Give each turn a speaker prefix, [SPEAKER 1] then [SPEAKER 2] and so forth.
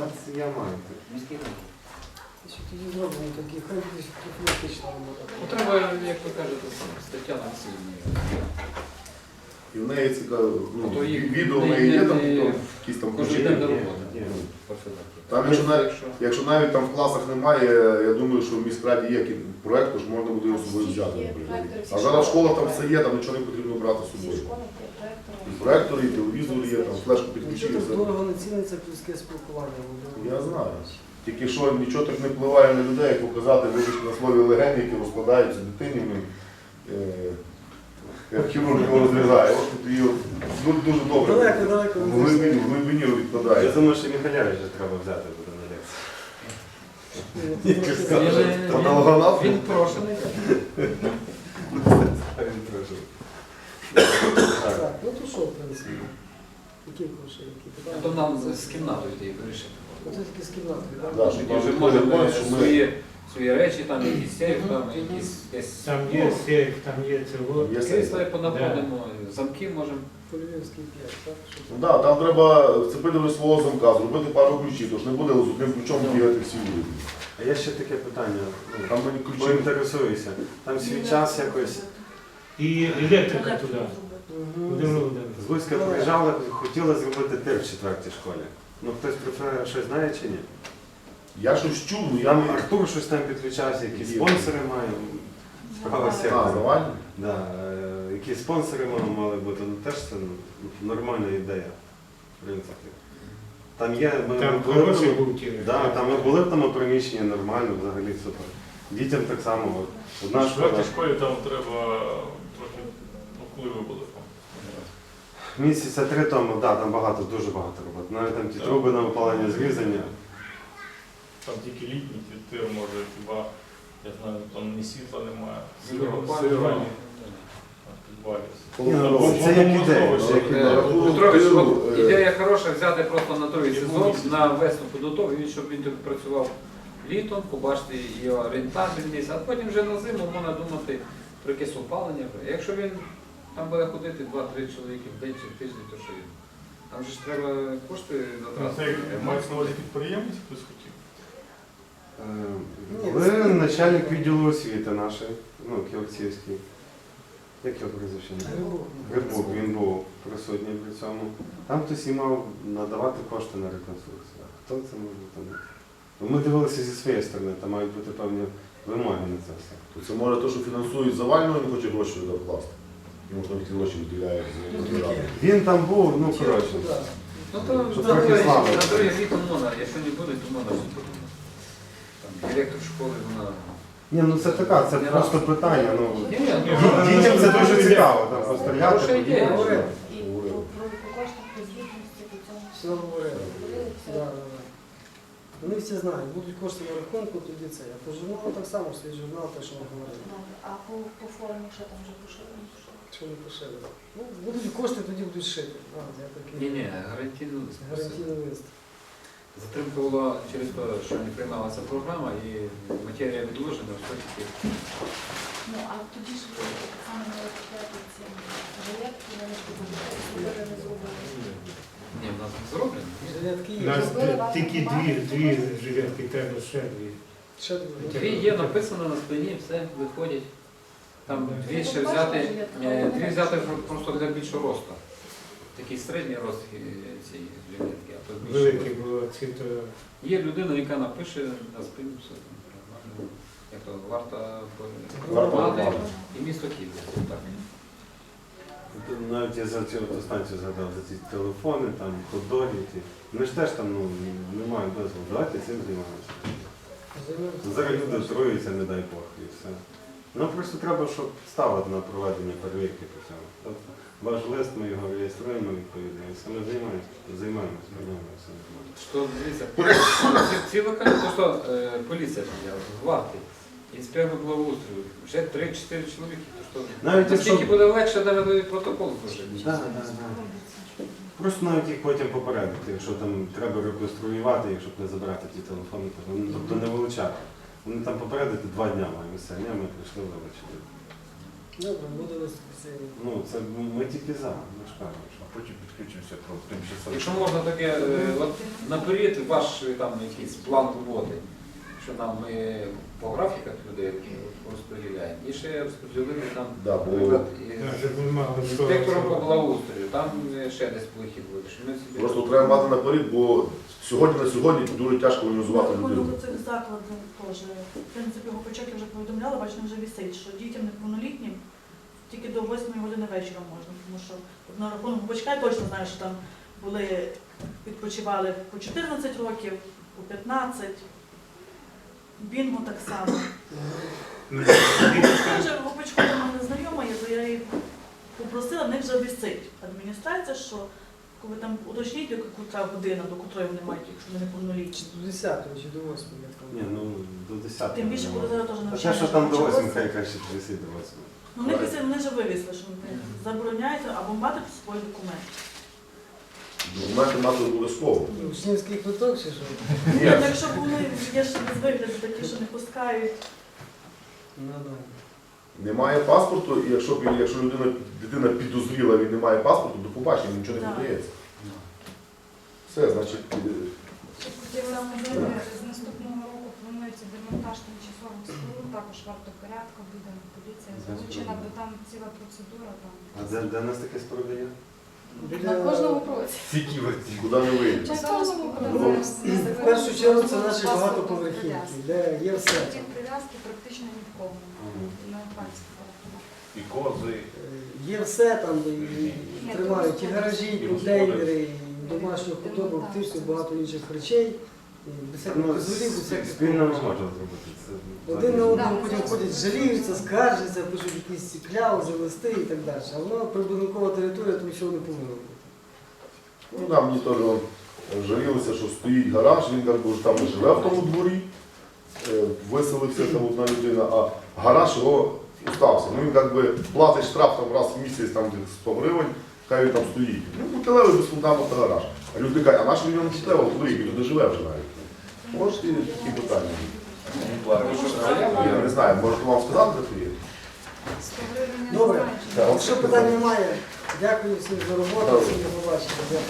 [SPEAKER 1] Я маю.
[SPEAKER 2] Міський район.
[SPEAKER 3] Тоді зробимо такі, хай десь профілактична робота.
[SPEAKER 2] Ну, треба, як ви кажете, стаття на сильні.
[SPEAKER 4] І в неї цікаво, ну,
[SPEAKER 2] То їх
[SPEAKER 4] відео в
[SPEAKER 2] не-
[SPEAKER 4] неї є
[SPEAKER 2] не-
[SPEAKER 4] там,
[SPEAKER 2] не-
[SPEAKER 4] якісь там
[SPEAKER 2] Кожен
[SPEAKER 4] ключі.
[SPEAKER 2] день до роботи.
[SPEAKER 1] Ні.
[SPEAKER 4] Там, якщо навіть там в класах немає, я думаю, що в міськраді є проєкт, тож можна буде його з собою взяти, наприклад. А зараз школа там все є, там нічого не потрібно брати з собою. І проєктор, і телевізор є, там флешку підключили.
[SPEAKER 3] Нічого
[SPEAKER 4] все.
[SPEAKER 3] так дорого не ціниться людське спілкування.
[SPEAKER 4] Я знаю. Тільки що нічого так не впливає на людей, як показати, вибачте, на слові легені, які розкладаються дитині, як хірург його розрізає. От тут її дуже добре.
[SPEAKER 3] Далеко.
[SPEAKER 4] В глибині відкладає.
[SPEAKER 1] Я думаю, що Михайловича треба взяти буде на лекцію.
[SPEAKER 4] Патологоанатом?
[SPEAKER 2] Він прошений.
[SPEAKER 3] Так, ну то що, в принципі? Які гроші, які питання?
[SPEAKER 2] То нам з кімнатою йти вирішити.
[SPEAKER 3] Оце тільки з кімнатою, так?
[SPEAKER 4] Да,
[SPEAKER 2] Тоді
[SPEAKER 4] щоб
[SPEAKER 2] вже
[SPEAKER 4] ми
[SPEAKER 2] можемо
[SPEAKER 4] поняли, що ми-
[SPEAKER 2] свої речі, там якісь сейф, там якісь
[SPEAKER 5] Там є сейф, там є цього.
[SPEAKER 4] Є
[SPEAKER 2] крісла
[SPEAKER 4] сейф.
[SPEAKER 2] понаходимо, замки можемо.
[SPEAKER 3] По Львівській 5, так?
[SPEAKER 4] Ну, да, там треба вцепити до свого замка, зробити пару ключів, тож не буде з одним ключом бігати всі вулиці.
[SPEAKER 1] А є ще таке питання.
[SPEAKER 4] Там мені ключі.
[SPEAKER 1] Поінтересуюся. Там свій час якось
[SPEAKER 5] І електрика туди. Володимир Володимирович.
[SPEAKER 1] з Луцька приїжджали, хотіли зробити тир в 4-й школі. Ну хтось про це щось знає чи ні?
[SPEAKER 4] Я щось чув, ну я
[SPEAKER 1] Там
[SPEAKER 4] не...
[SPEAKER 1] Артур щось там підключався, якісь
[SPEAKER 4] Є.
[SPEAKER 1] спонсори має. Справа
[SPEAKER 4] А,
[SPEAKER 1] сектора.
[SPEAKER 4] завальні?
[SPEAKER 1] Да, які спонсори мали бути, ну теж це нормальна ідея, в принципі. Там є,
[SPEAKER 5] Там
[SPEAKER 1] були
[SPEAKER 5] хороший
[SPEAKER 1] там-
[SPEAKER 5] був тір.
[SPEAKER 1] да, там ми були в тому приміщенні нормально, взагалі супер. Дітям так само. От, одна
[SPEAKER 6] В
[SPEAKER 1] школа.
[SPEAKER 6] четвертій школі там треба трохи, ну коли ви були там?
[SPEAKER 1] Місяця 3 тому, да, там багато, дуже багато роботи. Навіть там ті
[SPEAKER 6] Так.
[SPEAKER 1] труби на опалення зрізання.
[SPEAKER 6] Там тільки літній тир може, хіба, я знаю, там ні світла немає,
[SPEAKER 2] Сиро-
[SPEAKER 6] сиро, підвалі.
[SPEAKER 1] Ні, ну, це як ідея, це як ідея.
[SPEAKER 2] Петрович, от ідея хороша взяти просто на другий сезон, на весну підготовку, щоб він тут працював літом, побачити його рентабельність, а потім вже на зиму можна думати про якесь опалення. Якщо він там буде ходити 2-3 чоловіки в день чи в тиждень, то що він? Там же ж треба кошти
[SPEAKER 6] Ну,
[SPEAKER 2] затрати.
[SPEAKER 6] Це мається на увазі підприємець, хтось хотів?
[SPEAKER 1] Ви начальник відділу освіти нашої, ну, Ківерцівський. Як його прізвище? Грибук, він був присутній при цьому. Там хтось і мав надавати кошти на реконструкцію. А хто це може бути? Ну, ми дивилися зі своєї сторони, там мають бути певні вимоги на це все.
[SPEAKER 4] То це може те, що фінансують завального, він хоче гроші докласти. Йому там ті гроші виділяють з держави.
[SPEAKER 1] Він там був, ну коротше.
[SPEAKER 2] Ну то
[SPEAKER 1] Щоб
[SPEAKER 2] на
[SPEAKER 1] трохи
[SPEAKER 2] другий
[SPEAKER 1] слави.
[SPEAKER 2] літом можна, якщо не буде, то можна все подумати. Там директор школи, вона...
[SPEAKER 1] Ні, ну це така, це просто питання. Ну,
[SPEAKER 2] Ні,
[SPEAKER 1] дітям це дуже цікаво, там постріляти.
[SPEAKER 2] Хороша ідея.
[SPEAKER 1] подивитися.
[SPEAKER 7] І про кошти, про звітності, по цьому
[SPEAKER 3] Все говорили.
[SPEAKER 7] говорили, все.
[SPEAKER 3] Да. Вони всі знають, будуть кошти на рахунку, тоді це. А по журналу так само, свій журнал, те, що ми говорили.
[SPEAKER 7] Добре. А по формі, що там вже пошили?
[SPEAKER 3] Що не пошили. Ну, будуть кошти, тоді будуть шити. Я такий
[SPEAKER 2] Ні, гарантійно.
[SPEAKER 3] гарантійний лист.
[SPEAKER 2] Затримка була через те, що не приймалася програма і матерія відложена, все таки.
[SPEAKER 7] Ну, а тоді ж ви так само не розповідати ці жилетки, вони ж зробили, не зробили.
[SPEAKER 2] Ні, в нас не зроблено.
[SPEAKER 3] Жилетки
[SPEAKER 5] У
[SPEAKER 3] є.
[SPEAKER 5] нас
[SPEAKER 7] Зробили вам
[SPEAKER 5] тільки дві жилетки, треба ще дві.
[SPEAKER 3] Ще дві.
[SPEAKER 2] Дві є, написано на спині, все, виходять. Там дві ще взяти, дві взяти просто для більшого росту. Такий середній рост цієї жилетки, а то більше.
[SPEAKER 5] Великі було ці, то
[SPEAKER 2] Є людина, яка напише на спині все там нормально. Як то варта
[SPEAKER 4] Варта
[SPEAKER 2] громади і місто Київ. Так.
[SPEAKER 1] Навіть я за цю станцію згадав, за ці телефони, там, хот-доги. Вони ж теж там ну, не мають дозволу. Давайте цим займаємося. Зараз люди труються, не дай Бог, і все. Ну просто треба, щоб ставити на проведення перевірки по цьому. Тобто, ваш лист, ми його реєструємо відповідно, і все ми займаємося, все нормально.
[SPEAKER 2] Що, дивіться, ці локальні, то що поліція підняла, гвардії, інспектор благоустрою, вже 3-4 чоловіки, то що,
[SPEAKER 1] Навіть
[SPEAKER 2] наскільки
[SPEAKER 1] якщо...
[SPEAKER 2] буде легше навели протокол зложити.
[SPEAKER 1] Да. Просто навіть їх потім попередити, якщо там треба реконструювати, якщо б не забирати ті телефони, тобто не вилучати. Вони там попередити 2 дня маємо все, ми прийшли вилучити.
[SPEAKER 3] Добре, буде виступити сьогодні.
[SPEAKER 1] Ну, це ми тільки за, ми ж кажемо, що потім підключимося про тимчасово.
[SPEAKER 2] Якщо можна таке, от наперед ваш там якийсь план роботи, що нам ми по графіках людей розподіляємо. І ще розподілили там,
[SPEAKER 4] Да, бо-
[SPEAKER 2] наприклад,
[SPEAKER 5] Да, щоб ми мали
[SPEAKER 2] інспектором по благоустрою, там ще десь вихід буде. Що ми собі-
[SPEAKER 4] Просто треба мати наперед, бо сьогодні на сьогодні дуже тяжко організувати
[SPEAKER 8] Рахунок
[SPEAKER 4] людину.
[SPEAKER 8] цих закладів теж. В принципі, Гопачок я вже повідомляла, бачите, вже висить, що дітям неповнолітнім тільки до 8 години вечора можна, тому що от на рахунок Гопачка я точно знаю, що там були, відпочивали по 14 років, по 15, Бінго так само. Я вже Гопачку до мене знайома, є, то я її попросила, в них вже висить адміністрація, що коли там уточніть, яка година, до котрої вони мають, якщо вони неповнолітні.
[SPEAKER 3] Чи до 10 чи до 8 я так.
[SPEAKER 1] Ні, ну до 10.
[SPEAKER 8] Тим більше, коли зараз теж
[SPEAKER 1] А те,
[SPEAKER 8] навчання.
[SPEAKER 1] що там до 8,
[SPEAKER 8] почалося.
[SPEAKER 1] хай краще висить до 8.
[SPEAKER 8] Ну, вони вже вивісли, що вони забороняють або мати свій документ.
[SPEAKER 4] Документи мати обов'язково.
[SPEAKER 3] Учнівський квиток чи що?
[SPEAKER 8] Ні,
[SPEAKER 4] Ні,
[SPEAKER 8] ну, якщо б вони є ще без вигляду такі, що не пускають.
[SPEAKER 3] Ну, да.
[SPEAKER 4] немає паспорту, і якщо дитина підозріла, він не має паспорту, до побачення нічого не
[SPEAKER 8] Так.
[SPEAKER 4] подається. Все, значить,
[SPEAKER 9] Хотіла сказати, з наступного року планується демонтаж тимчасових споруд, також вартопорядка буде, поліція залучена, бо там ціла процедура.
[SPEAKER 1] А де в нас таке споруди є?
[SPEAKER 9] На кожному кроці.
[SPEAKER 1] Тільки оці.
[SPEAKER 4] куди не вийде.
[SPEAKER 9] На кожному
[SPEAKER 3] Ну, в першу чергу це наші багатоповерхівки, де є все.
[SPEAKER 9] Ті прив'язки практично ні в кого. На пальці.
[SPEAKER 6] І кози.
[SPEAKER 3] Є все там, і тримають і гаражі, і контейнери, і домашню худобу, птицю, багато інших речей. І без всяких
[SPEAKER 1] Ну,
[SPEAKER 3] дозволів, без всяких
[SPEAKER 1] спільно не
[SPEAKER 3] порушень.
[SPEAKER 1] можна зробити. Це
[SPEAKER 3] Один на одного
[SPEAKER 9] Да,
[SPEAKER 3] потім
[SPEAKER 9] це
[SPEAKER 3] ходять, жаліються, скаржаться, пишуть якісь кляузи, листи і так далі. А воно прибудинкова територія, то нічого не повинно бути.
[SPEAKER 4] Ну, там мені теж жалілося, що стоїть гараж, він як би вже там не живе в тому дворі, виселився там одна людина, а гараж його остався. Ну він як би платить штраф там раз в місяць там десь 100 гривень, хай він там стоїть. Ну, металевий без фундаменту гараж. А люди кажуть, а наш він металевий дворі, він туди живе вже навіть. Можете такі питання? Я не знаю, можете вам сказати, де це є?
[SPEAKER 9] 100 гривень я не
[SPEAKER 3] Добре.
[SPEAKER 9] знаю, чи
[SPEAKER 4] Так,
[SPEAKER 3] Якщо питань немає, дякую всім за роботу, всім до побачення. Дякую.